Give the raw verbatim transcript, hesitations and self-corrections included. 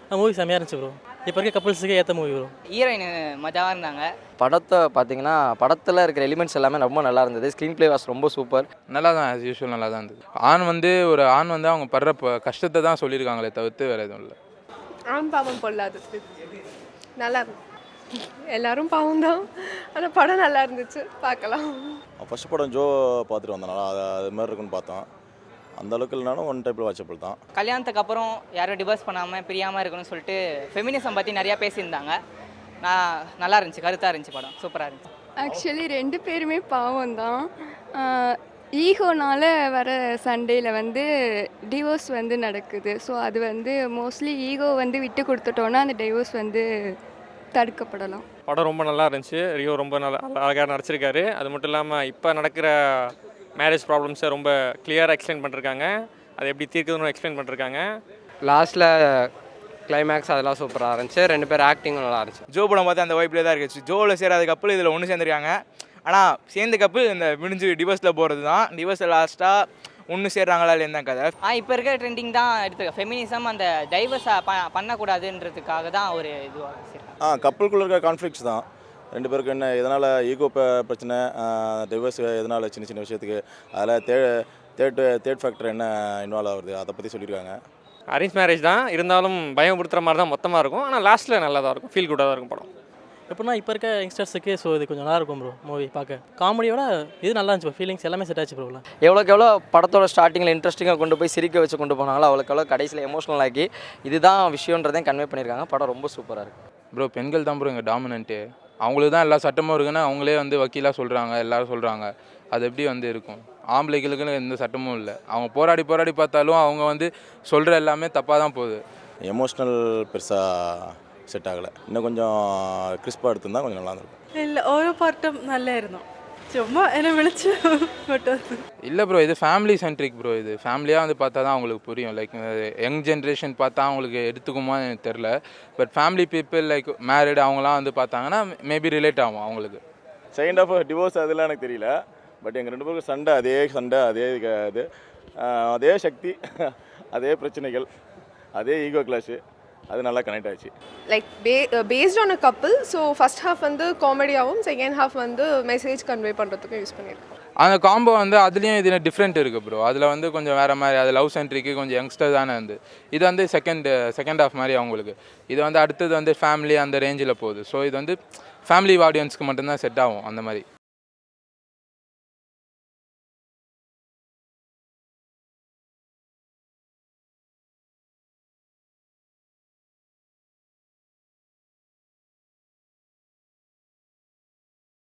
Movie செம்மையாக இருந்துச்சு bro. இப்போ இருக்க கப்புள்ஸுக்கு ஏற்ற மூவி ப்ரோ. ஹீரோயின் மஜாவாக இருந்தாங்க. படத்தை பார்த்தீங்கன்னா படத்தில் இருக்கிற எலிமெண்ட்ஸ் எல்லாமே ரொம்ப நல்லா இருந்தது. ஸ்க்ரீன் ப்ளே வாஸ் ரொம்ப சூப்பர். நல்லா தான் ஆஸ் யூஷுவல் நல்லா தான் இருந்தது. ஆண் வந்து ஒரு ஆண் வந்து அவங்க படுற ப- கஷ்டத்தை தான் சொல்லியிருக்காங்களே தவிர்த்து வேறு எதுவும் இல்லை. ஆண் பாவம் பொல்லாது நல்லா இருந்துச்சு. எல்லாரும் பாவம் தான், ஆனால் படம் நல்லா இருந்துச்சு, பார்க்கலாம். ஃபஸ்ட் படம் ஜோ பார்த்துட்டு வந்தனால அது அது மாதிரி இருக்குன்னு பார்த்தோம். அந்த அளவுக்கு இல்லைனாலும் ஒன் டைப்பில் வாட்சபிள் தான். கல்யாணத்துக்கு அப்புறம் யாரும் டிவோர்ஸ் பண்ணாமல் பிரியாமல் இருக்கணும்னு சொல்லிட்டு ஃபெமினிசம் பற்றி நிறையா பேசியிருந்தாங்க. நான் நல்லா இருந்துச்சு, கருத்தாக இருந்துச்சு படம், சூப்பராக இருந்துச்சு. ஆக்சுவலி ரெண்டு பேருமே பாவம் தான். ஈகோனால வர சண்டையில் வந்து டிவோர்ஸ் வந்து நடக்குது. ஸோ அது வந்து மோஸ்ட்லி ஈகோ வந்து விட்டு கொடுத்துட்டோன்னா அந்த டிவோர்ஸ் வந்து தடுக்கப்படலாம். படம் ரொம்ப நல்லா இருந்துச்சு. ரியோ ரொம்ப நல்லா அழகாக நடிச்சிருக்காரு. அது மட்டும் இல்லாமல் இப்போ நடக்கிற மேரேஜ் ப்ராப்ளம்ஸை ரொம்ப கிளியராக எக்ஸ்பிளைன் பண்ணிருக்காங்க. அதை எப்படி தீர்க்குதுன்னு எக்ஸ்பிளைன் பண்ணிருக்காங்க. லாஸ்ட்டில் கிளைமேக்ஸ் அதெல்லாம் சூப்பராக இருந்துச்சு. ரெண்டு பேர் ஆக்டிங்கும் நல்லா இருந்துச்சு. ஜோ படம் பார்த்து அந்த வைப்பில் தான் இருந்துச்சு. ஜோவில் சேராத கப்பல் இதில் ஒன்று சேர்ந்துருக்காங்க. ஆனால் சேர்ந்த கப்பல் இந்த முடிஞ்சு டிவோர்ஸில் போகிறது தான். டிவோர்ஸில் லாஸ்ட்டாக ஒன்று சேர்றாங்களா இல்லையா கதை. ஆ இப்போ இருக்கிற ட்ரெண்டிங் தான் எடுத்துருக்கேன். ஃபெமினிசம் அந்த டைவர்ஸை ப பண்ணக்கூடாதுன்றதுக்காக தான் ஒரு இதுவாக ஆ கப்பலுக்குள்ள இருக்க கான்ஃப்ளிக்ஸ் தான். ரெண்டு பேருக்கு என்ன எதனால் ஈகோ பிரச்சனை, டிவோர்ஸ் எதனால் சின்ன சின்ன விஷயத்துக்கு அதில் தே தேர்ட் தேர்ட் ஃபேக்டர் என்ன இன்வால்வ் ஆகுது அதை பற்றி சொல்லியிருக்காங்க. அரேஞ்ச் மேரேஜ் தான் இருந்தாலும் பயமுறுத்துற மாதிரி தான் மொத்தமாக இருக்கும். ஆனால் லாஸ்ட்டில் நல்லா தான் இருக்கும், ஃபீல் குட்டாக தான் இருக்கும் படம். எப்படின்னா இப்போ இருக்க யங்ஸ்டர்ஸுக்கு ஸோ இது கொஞ்சம் நல்லா இருக்கும் ப்ரோ. மூவி பார்க்க காமெடியோட இது நல்லா இருந்துச்சு ப்ரோ. ஃபீலிங்ஸ் எல்லாமே செட் ஆச்சு ப்ரோலாம். எவ்வளோக்கு எவ்வளோ படத்தோட ஸ்டார்டிங்கில் இன்ட்ரெஸ்டிங்காக கொண்டு போய் சிரிக்க வச்சு கொண்டு போனாங்களோ அவ்வளோக்கு எவ்வளோ கடைசியில் எமோஷனல் ஆக்கி இதுதான் விஷயன்றதையும் கன்வே பண்ணியிருக்காங்க. படம் ரொம்ப சூப்பராக இருக்குது. ப்ரோ பெண்கள் தான் ப்ரோ இங்கே டாமினன்ட்டு. அவங்களுக்கு தான் எல்லா சட்டமும் இருக்குன்னு அவங்களே வந்து வக்கீலாக சொல்கிறாங்க, எல்லோரும் சொல்கிறாங்க. அது எப்படி வந்து இருக்கும்? ஆம்பளைகளுக்குன்னு எந்த சட்டமும் இல்லை. அவங்க போராடி போராடி பார்த்தாலும் அவங்க வந்து சொல்கிற எல்லாமே தப்பாக தான் போகுது. எமோஷ்னல் பெருசாக செட் ஆகலை. இன்னும் கொஞ்சம் கிறிஸ்பாக எடுத்திருந்தால் கொஞ்சம் நல்லா இருந்திருக்கும். இல்லை ஓரோ பாட்டும் நல்லா இருந்தோம். சும்மா என்ன விളിச்சு மட்டும். இல்லை ப்ரோ, இது ஃபேமிலி சென்ட்ரிக் ப்ரோ. இது ஃபேமிலியாக வந்து பார்த்தா தான் அவங்களுக்கு புரியும். லைக் யங் ஜென்ரேஷன் பார்த்தா அவங்களுக்கு எடுத்துக்குமா எனக்கு தெரில. But family people like married அவங்களாம் வந்து பார்த்தாங்கன்னா மேபி ரிலேட் ஆகும் அவங்களுக்கு. செகண்ட் ஆஃப் டிவோர்ஸ் அதெல்லாம் எனக்கு தெரியல. பட் எங்கள் ரெண்டு பேருக்கும் சண்டை, அதே சண்டை, அதே இது, அதே சக்தி, அதே பிரச்சனைகள், அதே ஈகோ கிளாஷு, அது நல்லா கனெக்ட் ஆச்சு. லைக் பே based on a couple. So first half வந்து காமெடியாகவும் செகண்ட் ஹாஃப் வந்து மெசேஜ் கன்வே பண்ணுறதுக்கும் யூஸ் பண்ணியிருக்கோம். அந்த காம்போ வந்து அதுலேயும் இதில் டிஃப்ரெண்ட் இருக்குது ப்ரோ. அதில் வந்து கொஞ்சம் வேறு மாதிரி, அது லவ் சென்ட்ரிக்கு கொஞ்சம் யங்ஸ்டர் தானே வந்து. இது வந்து செகண்ட் செகண்ட் ஹாஃப் மாதிரி அவங்களுக்கு. இது வந்து அடுத்தது வந்து ஃபேமிலி அந்த ரேஞ்சில் போகுது. ஸோ இது வந்து ஃபேமிலி ஆடியன்ஸ்க்கு மட்டும்தான் செட் ஆகும் அந்த மாதிரி.